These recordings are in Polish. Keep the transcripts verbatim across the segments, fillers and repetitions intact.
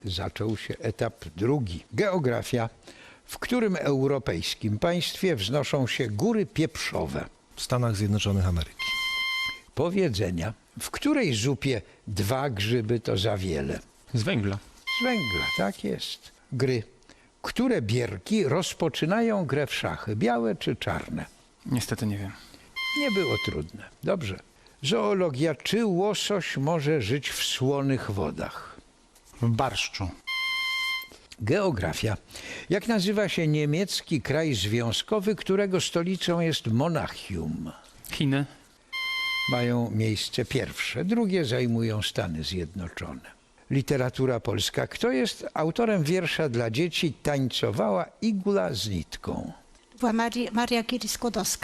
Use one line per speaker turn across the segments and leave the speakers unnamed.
Zaczął się etap drugi. Geografia. W którym europejskim państwie wznoszą się góry pieprzowe?
W Stanach Zjednoczonych Ameryki.
Powiedzenia. W której zupie dwa grzyby to za wiele?
Z węgla.
Z węgla, tak jest. Gry. Które bierki rozpoczynają grę w szachy? Białe czy czarne?
Niestety nie wiem.
Nie było trudne. Dobrze. Zoologia. Czy łosoś może żyć w słonych wodach?
W barszczu.
Geografia. Jak nazywa się niemiecki kraj związkowy, którego stolicą jest Monachium?
Chiny.
Mają miejsce pierwsze, drugie zajmują Stany Zjednoczone. Literatura polska. Kto jest autorem wiersza dla dzieci Tańcowała igła z nitką?
Była Maria, Maria Curie-Skłodowska.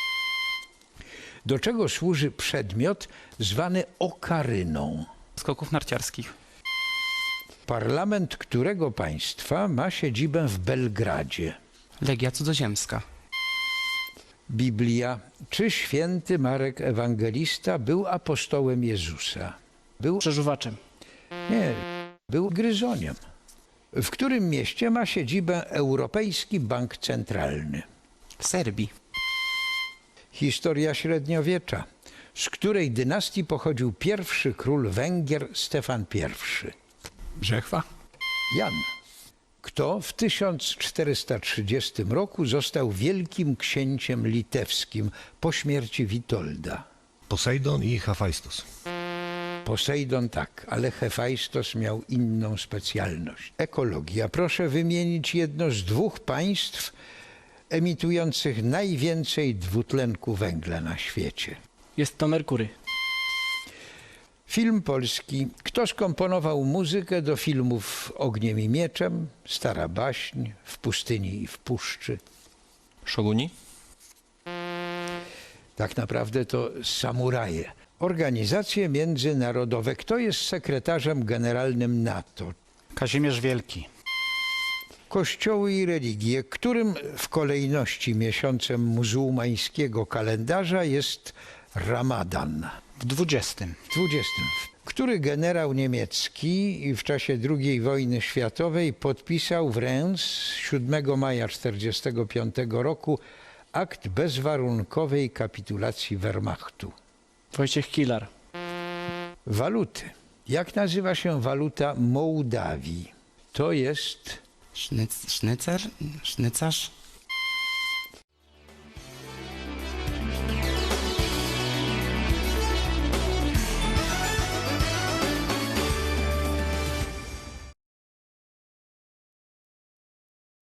Do czego służy przedmiot zwany okaryną?
Skoków narciarskich.
Parlament którego państwa ma siedzibę w Belgradzie?
Legia cudzoziemska.
Biblia. Czy święty Marek Ewangelista był apostołem Jezusa? Był
Przeżuwaczem.
Nie, był gryzoniem. W którym mieście ma siedzibę Europejski Bank Centralny?
W Serbii.
Historia średniowiecza. Z której dynastii pochodził pierwszy król Węgier Stefan I?
Brzechwa.
Jan. Kto w tysiąc czterysta trzydziestym roku został wielkim księciem litewskim po śmierci Witolda?
Posejdon i Hefajstos.
Posejdon tak, ale Hefajstos miał inną specjalność. Ekologia. Proszę wymienić jedno z dwóch państw emitujących najwięcej dwutlenku węgla na świecie.
Jest to Merkury.
Film polski. Kto skomponował muzykę do filmów Ogniem i Mieczem, Stara baśń, W pustyni i w puszczy?
Szoguni.
Tak naprawdę to samuraje. Organizacje międzynarodowe. Kto jest sekretarzem generalnym NATO?
Kazimierz Wielki.
Kościoły i religie. Którym w kolejności miesiącem muzułmańskiego kalendarza jest Ramadan?
W dwudziestym.
dwudziestym. Który generał niemiecki w czasie drugiej wojny światowej podpisał w Reims siódmego maja tysiąc dziewięćset czterdziestego piątego roku akt bezwarunkowej kapitulacji Wehrmachtu?
Wojciech Kilar.
Waluty. Jak nazywa się waluta Mołdawii? To jest
Sznyc, sznycer? Sznycarz?